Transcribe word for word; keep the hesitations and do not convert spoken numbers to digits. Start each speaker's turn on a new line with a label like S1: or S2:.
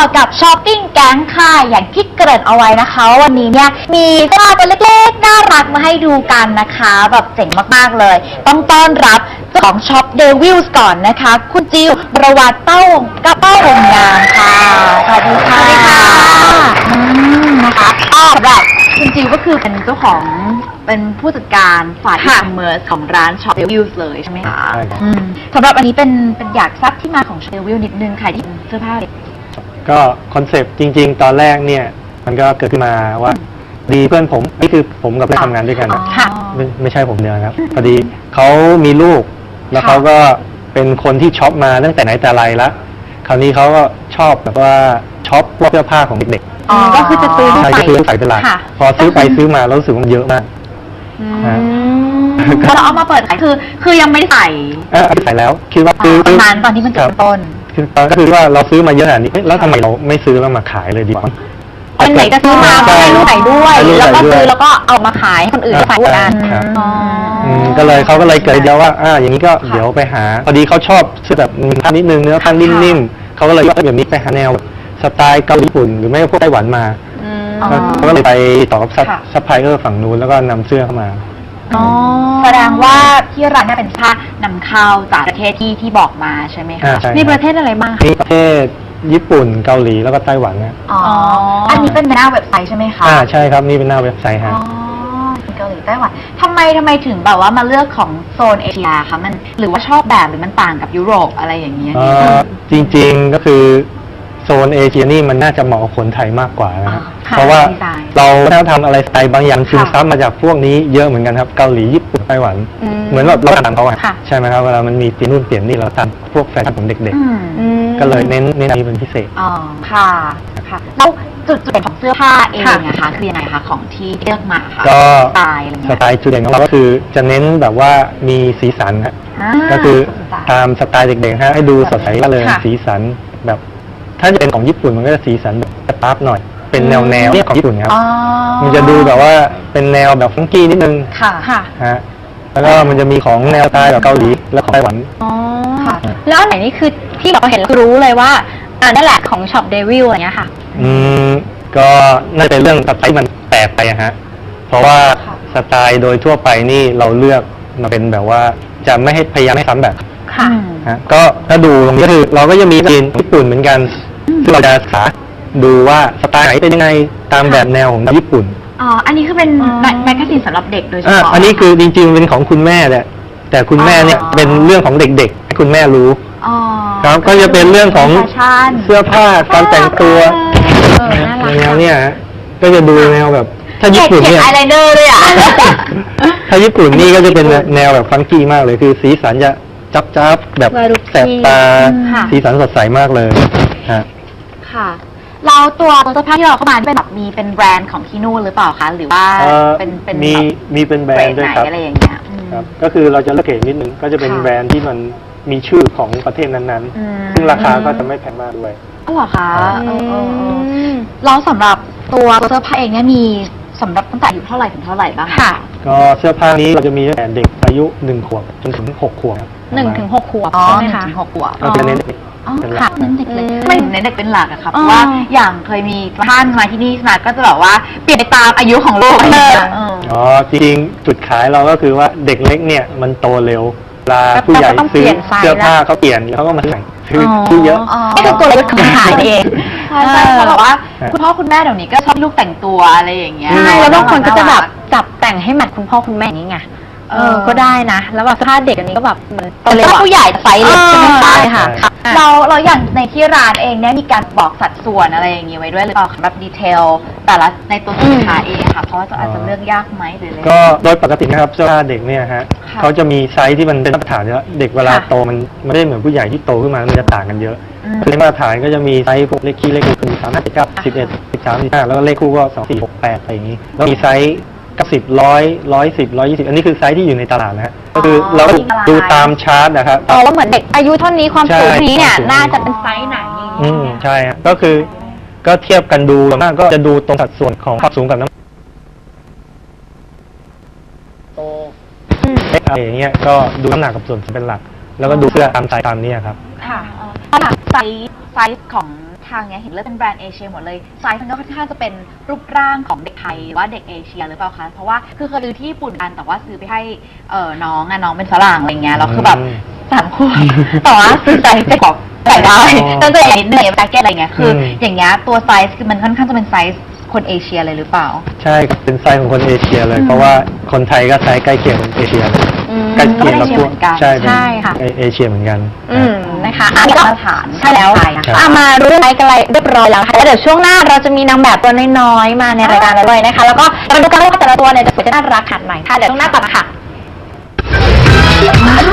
S1: กับช้อปปิ้งแก๊งค่ะอย่างที่เกริ่นเอาไว้นะคะว่าวันนี้เนี่ยมีเสื้อผ้าตัวเล็กๆน่ารักมาให้ดูกันนะคะแบบเจ๋งมากๆเลยต้องต้อนรับเจ้าของช็อปเดวิลส์ก่อนนะคะคุณจิวประวัติเต้ากระเป้าวงงามค่ะสวัสดีค่ะอืมนะคะก็แบบคุณจิวก็คือเป็นเจ้าของเป็นผู้จัดการฝ่ายอีคอมเมิร์ซของร้านช็อปเดวิลส์เลยใช่ไหมคะสำหรับอันนี้เป็นเป็นอยากทราบที่มาของช็อปเดวิลนิดนึงค่ะที่เสื้อผ้าเด็ก
S2: ก็คอนเซปต์จริงๆตอนแรกเนี่ยมันก็เกิดขึ้นมาว่าดีเพื่อนผมนี่คือผมกับเพื่อนทำงานด้วยกันนะไม่ไม่ใช่ผมเดียวครับพอดีเขามีลูกแล้วเขาก็เป็นคนที่ช็อปมาตั้งแต่ไหนแต่ไรละคราวนี้เขาก็ชอบแบบว่าช็อปพวกเสื้อผ้าของเด็ก
S1: ๆก็คือจะซื้อ
S2: ใช่ก็ซื้อใส่เป็นหลักพอซื้อไปซื้อมาแล้วรู้สึกว่ามันเยอะมาก
S1: พอเราเอามาเปิดขายคือคือยังไม่ได้ใส่
S2: เออใส่แล้วคิดว่าซื้อ
S1: ประมาณตอนที่มันจุดต้น
S2: คือตอนก็คือว่าเราซื้อมาเยอะขนาดนี้แล้วทำไมเราไม่ซื้อแล้วมาขายเลยดีกว่า
S1: เป็นไหนก็ซื้อมาให้ลูกใส่ด้วยแล้วก็ซื้อแล้วก็เอามาขายคนอื่นใส่กัน
S2: ก็เลยเขาก็เลยเกิดเดียวว่าอ่าอย่างนี้ก็เดี๋ยวไปหาพอดีเขาชอบซื้อแบบมีผ้านิดนึงเนื้อผ้านิ่มๆเขาก็เลยว่าแบบนี้ไปหาแนวสไตล์เกาหลีญี่ปุ่นหรือไม่ก็พวกไต้หวันมาเขาก็เลยไปต่อกับซัพพลายเออร์ฝั่งนู้นแล้วก็นำเสื้อเข้ามา
S1: แสดงว่าที่ร้านนี่เป็นผ้านำเข้าจากประเทศที่ที่บอกมาใช่ไหมคะมีประเทศอะไรบ้าง
S2: มีประเทศญี่ปุ่นเกาหลีแล้วก็ไต้หวันนะ
S1: อ๋ออันนี้เป็นหน้าเว็บไซต์ใช่ไหมคะ
S2: อ่าใช่ครับนี่เป็นหน้าเว็บไซต์ฮะ
S1: อ๋อเกาหลีไต้หวันทำไมทำไมถึงแบบว่ามาเลือกของโซนเอเชียคะมันหรือว่าชอบแบบหรือมันต่างกับยุโรปอะไรอย่างเงี้ย
S2: จริงๆก็คือโซนเอเชียนี่มันน่าจะเหมาะกับคนไทยมากกว่านะครับเพราะว่าเราถ้าทำอะไรสไตล์บางอย่างซึมซับมาจากพวกนี้เยอะเหมือนกันครับเกาหลีญี่ปุ่นไต้หวันเหมือนแบบเราตามเขาอะใช่ไหมครับเวลามันมีเปลี่ยนนู่นเปลี่ยนนี่เราตามพวกแฟชั่นของเด็กๆก็เลยเน้นเน้นนี้เป็นพิเศษ
S1: อ๋อค่ะค่ะแล้วจุดจุดเด่นของเสื้อผ้าเองนะคะคือยังไงคะของที่เลือกมาค่ะ
S2: ก็
S1: สไตล์อะไรเงี้ย
S2: สไตล์จุดเด่นของเราก็คือจะเน้นแบบว่ามีสีสันฮะก็คือตามสไตล์เด็กๆฮะให้ดูสดใสเลยสีสันแบบถ้าจะเป็นของญี่ปุ่นมันก็จะสีสันแบบสตาร์ฟหน่อยเป็นแนวแนวของญี่ปุ่นครับมันจะดูแบบว่าเป็นแนวแบบฟังกี้นิดนึง
S1: ค่ะค่ะ
S2: ฮะแล้วก็มันจะมีของแนวสไตล์แบบเกาหลีและของไต้หวัน
S1: อ๋อค่ะแล้วอันไหนนี่คือที่เราเห็นรู้เลยว่าอ่านั่นแหละของช็อปเดวิลอะไรเงี้ยค่ะ
S2: อืมก็น่าจะเป็นเรื่องสไตล์มันแปลกไปฮะเพราะว่าสไตล์โดยทั่วไปนี่เราเลือกมาเป็นแบบว่าจะไม่ให้พยายามไม่ซ้ำแบบ
S1: ค่ะ
S2: ฮะก็ถ้าดูตรงนี้คือเราก็จะมีจีนญี่ปุ่นเหมือนกันซึ่งเราจะศึกษาดูว่าสไตล์ไหนเป็นยังไงตามแบบแนวของญี่ปุ่น
S1: อ๋ออันนี้คือเป็นแมกกาซีนสำหรับเด็กโดยเฉพาะ
S2: อันนี้คือจริงๆเป็นของคุณแม่แหละแต่คุณแม่เนี่ยเป็นเรื่องของเด็กๆให้คุณแม่รู้ครับก็จะเป็นเรื่องของเสื้อผ้าการแต่งตัวแนวเนี่ยก็จะดูแนวแบบถ้าญี่ปุ่นเนี่ย
S1: อายไลเนอร์ด้วยอ่ะ
S2: ถ้าญี่ปุ่นนี่ก็จะเป็นแนวแบบฟังกี้มากเลยคือสีสันจะจับจับแบบแสบตาสีสันสดใสมากเลยฮะ
S1: ค่ะเราตัวเสื้อผ้าที่เราเข้ามาเป็นแบบมีเป็นแบรนด์ของที่นู่นหรือเปล่าคะหรือว่าเป็นเป็น
S2: มีมีเป็นแบรนด์ด้วยครับ
S1: อะไรอย่างเงี้ย
S2: ครับก็คือเราจะเลือกเองนิดนึงก็จะเป็นแบรนด์ที่มันมีชื่อของประเทศนั้นๆซึ่งราคาก็จะไม่แพงมากด้วย
S1: อ๋อเหรอคะเราสำหรับตัวเสื้อผ้าเองเนี่ยมีสำหรับตั้งแต่อายุเท่าไหร่ถึงเท่าไหร่บ้าง
S2: ค่ะก็เสื้อผ้านี้เราจะมีตั้งแต่เด็กอายุหนึ่งขวบจนถึงหกขวบ
S1: หนึ่งถึงหกขวบใช่ไหมคะหกขวบ
S2: เราจะเน้นเด็ก
S1: เป็นหลักเน้นเด็กเลยไม่เน้นเด็กเป็นหลักอะครับเพราะว่าอย่างเคยมีท่านมาที่นี่มาก็จะบอกว่าเปลี่ยนไปตามอายุของลูก
S2: อ๋อจริงจุดขายเราก็คือว่าเด็กเล็กเนี่ยมันโตเร็วเวลาผู้ใหญ่ซื้อเสื้อผ้าเขาเปลี่ยนแล้วก็มาใส่คือที่เยอะ
S1: นี่คือตัวเล็กขายเองใช่ใช่เขาบอกว่าคุณพ่อคุณแม่เดี๋ยวนี้ก็ชอบลูกแต่งตัวอะไรอย่างเงี้ยใช่แล้วบางคนก็จะแบบจับแต่งให้แมทคุณพ่อคุณแม่อย่างนี้ไงเออก็ได้นะแล้วแบบเสื้อผ้าเด็กอันนี้ก็แบบเหมือนตัวเล็กผู้ใหญ่ไซส์เล็กใช่ไหมใช่ค่ะเราเราอย่างในที่ร้านเองเนี่ยมีการบอกสัดส่วนอะไรอย่างนี้ไว้ด้วยหรือเปล่าแบบดีเทลแต่ละในตัวสินค้าเองค่ะเพราะว่าจะอาจจะเลือกยากไหมหรืออะไร
S2: ก็โดยปกตินะครับเสื้อผ้าเด็กเนี่ยฮะเขาจะมีไซส์ที่มันเป็นมาตรฐานเยอะเด็กเวลาโตมันไม่ได้เหมือนผู้ใหญ่ที่โตขึ้นมามันจะต่างกันเยอะคือมาตรฐานก็จะมีไซส์พวกเลขคี่เลขคูณสามห้าสิบเก้าสิบเอ็ดสิบสามสิบห้าแล้วก็เลขคู่ก็สองสี่หกแปดอะไรอย่างนี้แล้วมีไซส์กับสิบร้อยร้อยสิบร้อยยี่สิบอันนี้คือไซส์ที่อยู่ในตลาดนะฮะก็คือเราดูตามชาร์ตนะครับ
S1: อ๋อว่าเหมือนเด็กอายุเท่านี้ความสูงนี้เนี่ยน่าจะเป็นไซส์ไหน
S2: อืมใช่ก็คือก็เทียบกันดูมากก็จะดูตรงสัดส่วนของความสูงกับน้ำโตอะไรอย่างเงี้ยก็ดูน้ำหนักกับส่วนเป็นหลักแล้วก็ดูเสื้อตามไซส์ตามนี้ครับ
S1: ค่ะไซส์ไซส์ของทางเนี้ยเห็นเลือกเป็นแบรนด์เอเชียหมดเลยไซส์มันก็ค่อนข้างจะเป็นรูปร่างของเด็กไทยหรือว่าเด็กเอเชียหรือเปล่าคะเพราะว่าคือเคยดูที่ญี่ปุ่นกันแต่ว่าซื้อไปให้เอ่อน้องอะน้องเป็นฝรั่งอะไรเงี้ยแล้วคือแบบสามขวบแต่ว่าซื้อไซส์เด็กบอกใส่ได้ตั้งแต่นิดหนึ่งแจ็คเก็ตอะไรเงี้ยคืออย่างเงี้ยตัวไซส์คือมันค่อนข้างจะเป็นไซส์คนเอเชียเลยหรือเปล่า
S2: ใช่ครับเป็นไซส์ของคนเอเชียเลยเพราะว่าคนไทยก็ไซส์ใกล้เคียงคนเอเชียเลยใกล้เคียงกับพวกใช่ใช่ค่ะเอเชียเหมือนกัน
S3: อืมนะคะอันนี้ก็
S1: ฐาน
S3: ใช่แล้วเอามารู้ไซส์กันอะไรเรียบร้อยแล้วค่ะแล้วเดี๋ยวช่วงหน้าเราจะมีนางแบบตัวน้อยๆมาในรายการเราด้วยนะคะแล้วก็มาดูกันว่าแต่ละตัวเนี่ยจะสวยจะน่ารักขนาดไหนค่ะเดี๋ยวช่วงหน้ากลับมาค่ะ